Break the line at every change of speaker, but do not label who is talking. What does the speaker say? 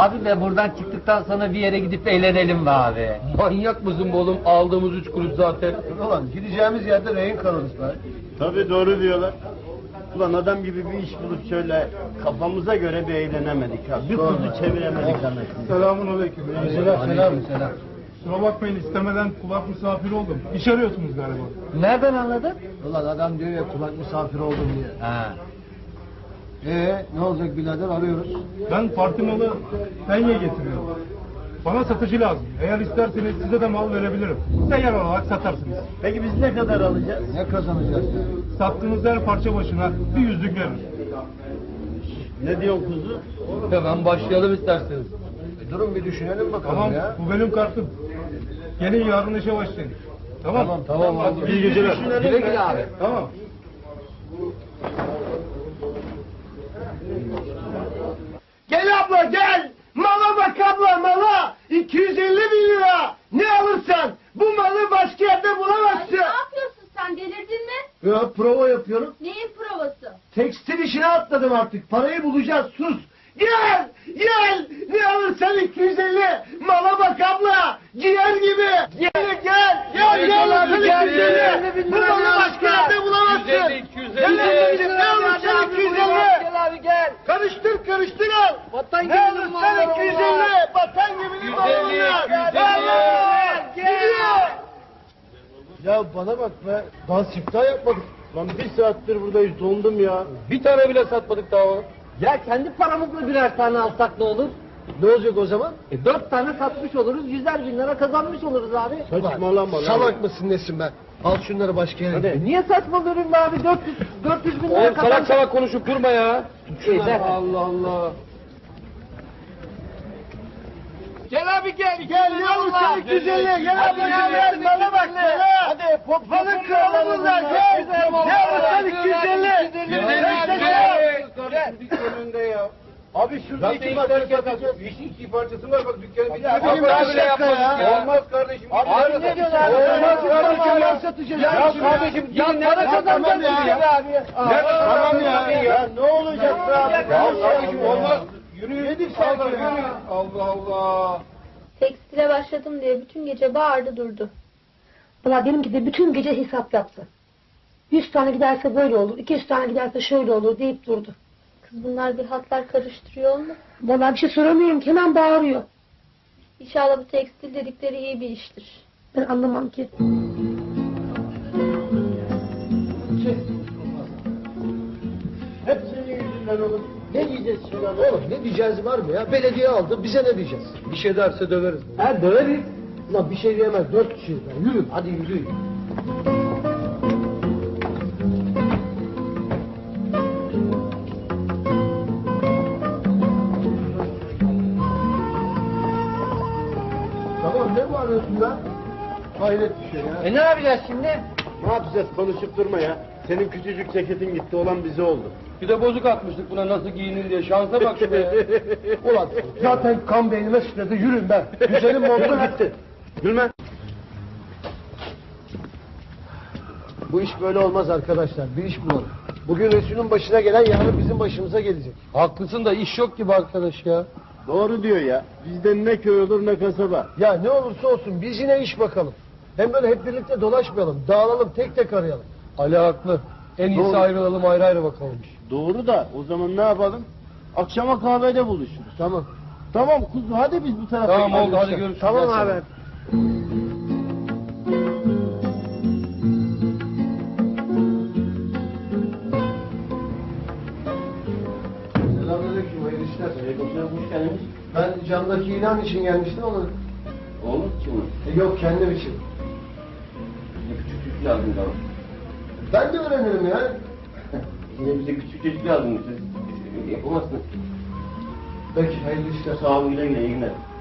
Abi be buradan çıktıktan sonra bir yere gidip eğlenelim be abi.
Manyak mısın be oğlum? Aldığımız 3 kuruş zaten.
Ulan gideceğimiz yerde rehin kalırız be.
Tabii doğru diyorlar. Ulan adam gibi bir iş bulup şöyle kafamıza göre bir eğlenemedik ha. Bir kuzu çeviremedik anasını.
Selamun aleyküm.
Selam.
Kusura bakmayın istemeden kulak misafiri oldum. İş arıyorsunuz galiba.
Nereden anladın?
Ulan adam diyor ya kulak misafir oldum diye.
Ha.
Ne olacak birader arıyoruz.
Ben parti malı penye getiriyorum. Bana satıcı lazım. Eğer isterseniz size de mal verebilirim. Seyyar olarak satarsınız.
Peki biz ne kadar alacağız?
Ne kazanacağız ya?
Sattığınız her parça başına bir yüzlük verir.
Ne diyorsun kuzu?
Hemen başlayalım isterseniz.
Durun bir düşünelim bakalım
Tamam,
ya.
bu benim kartım. Gelin yarın işe başlayın. Tamam.
Tamam
Hadi
abi.
iyi geceler.
Güle güle abi.
Tamam.
Gel abla gel. Mala bak abla mala. 250 bin lira. Ne alırsan bu malı başka yerde
Ay,
bulamazsın.
ne yapıyorsun sen, delirdin mi?
Ya prova yapıyorum.
Neyin provası?
Tekstil işine atladım artık. Parayı bulacağız sus. Gel gel. Ne alırsan 250. Mala bak abla. Ciğer gibi. Gel. Ne alırsan 250. Bu malı başka yerde bulamazsın.
250.
Ne alırsan 250.
Gel abi gel.
Karıştır al.
Vatan
Ne alırsan 250. Vatan gibi bir mal bunlar. Gidiyor.
Ya bana bak be. Daha siftah yapmadık. Lan bir saattir buradayız dondum ya.
Bir tane bile satmadık daha oğlum.
Ya kendi paramızla birer tane alsak ne olur?
Ne olacak o zaman?
4 tane satmış oluruz, 100'er bin lira kazanmış oluruz abi.
Saçmalama lan.
Salak mısın nesin be? Al şunları başka yere.
E niye saçmalıyorum be abi? 400 bin lira
Oğlum
kazanmış.
salak konuşup durma ya.
Ver.
Allah Allah.
Gel abi gel.
Gel ne alırsan 250. Gel abi gel. Bana bak gel. Hadi balık kralı bunlar. Gel. Ne alırsan 250.
önünde ya. Abi şurada iki parça satacağız. İki parçası var bak dükkanı bir daha.
Ne bileyim ben dakika ya.
Olmaz kardeşim.
Abi ne diyorsun abi?
Olmaz
Tamam
kardeşim
ya.
ya satacağız.
Ya kardeşim gidin ne para kazanacaksın abi?
Tamam ya. Ne olacak be abi?
Ya kardeşim olmaz.
Yürü. Yedik sanki ya.
Allah Allah.
Tekstile başladım diye bütün gece bağırdı durdu.
Valla benimki de bütün gece hesap yaptı. 100 tane giderse böyle olur, 200 tane giderse şöyle olur deyip durdu.
Kız bunlar bir hatlar karıştırıyor mu?
Valla bir şey soramıyorum ki hemen bağırıyor.
İnşallah bu tekstil dedikleri iyi bir iştir.
Ben anlamam ki.
Hep senin yüzünden oğlum. Ne diyeceğiz şimdi abi?
Oğlum ne diyeceğiz var mı ya? Belediye aldı bize ne diyeceğiz?
Bir şey derse döveriz.
Ha döveriz. Ulan bir şey diyemez 4 kişiyiz lan. Yürü hadi yürü. Tamam ne bağırıyorsun lan? Hayret bir şey ya.
Ne yapacağız şimdi?
Ne yapacağız konuşup durma ya. Senin küçücük ceketin gitti olan bize oldu.
Bir de bozuk atmıştık buna nasıl giyinin diye. Şansa bak be.
Ulan zaten kan beynime sıçradı yürüyün ben. Güzelim montu gitti.
Gülme.
Bu iş böyle olmaz arkadaşlar. Bir iş bulalım. Bugün Resul'ün başına gelen yarın bizim başımıza gelecek.
Haklısın da iş yok gibi arkadaş ya.
Doğru diyor ya. Bizden ne köy olur ne kasaba.
Ya ne olursa olsun biz yine iş bakalım. Hem böyle hep birlikte dolaşmayalım. Dağılalım tek tek arayalım.
Ali haklı. En iyisi
Doğru.
ayrılalım ayrı ayrı bakalım.
Doğru da o zaman ne yapalım? Akşama kahvede buluşuruz.
Tamam.
Tamam kuzu hadi biz bu tarafa
Tamam
gidelim.
oldu hadi görüşürüz.
Tamam
Gel
abi.
sen.
Selamünaleyküm, hayırlı işler.
Hoş geldiniz.
Ben camdaki ilan için gelmiştim ama...
Oğlum kim?
Yok kendim için.
Bize küçük çocuk lazım tamam.
Ben de öğrenirim ya.
Yine bize küçük çocuk lazım. Siz yapamazsınız.
Peki hayırlı işler.
Sağ olun güle güle iyi günler.